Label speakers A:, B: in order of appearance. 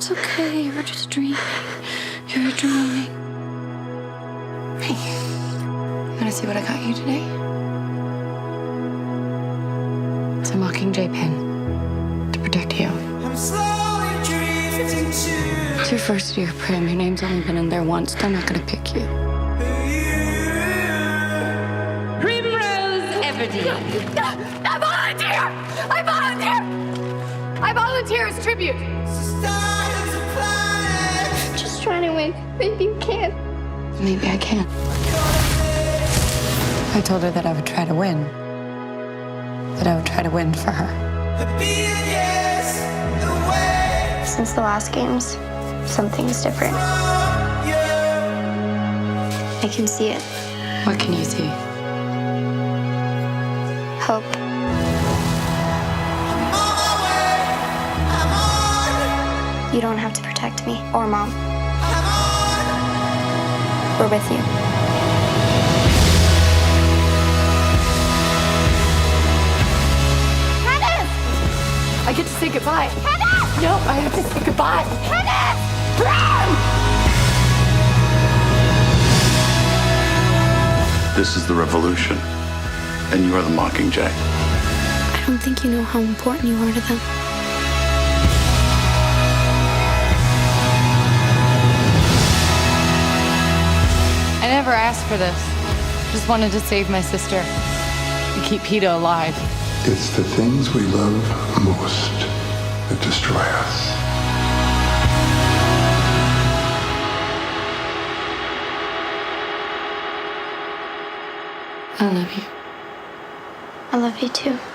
A: It's okay. You're just dreaming. You're dreaming.
B: Hey, wanna see what I got you today? It's a Mockingjay pin to protect you. It's your first year, Prim. Your name's only been in there once. They're not gonna pick you.
C: Primrose Everdeen.
D: I volunteer! I volunteer! I volunteer as tribute.
A: Just trying to win. Maybe you can.
B: Maybe I can. I told her that I would try to win. That I would try to win for her.
A: Since the last games, something's different. I can see it.
B: What can you see?
A: Hope. You don't have to protect me or Mom. We're with you.
D: Kenneth! I get to say goodbye. Kenneth! No, I have to say goodbye. Kenneth!
E: This is the revolution, and you are the Mockingjay.
A: I don't think you know how important you are to them.
B: I never asked for this. Just wanted to save my sister and keep Peeta alive.
F: It's the things we love most that destroy us.
B: I love you.
A: I love you too.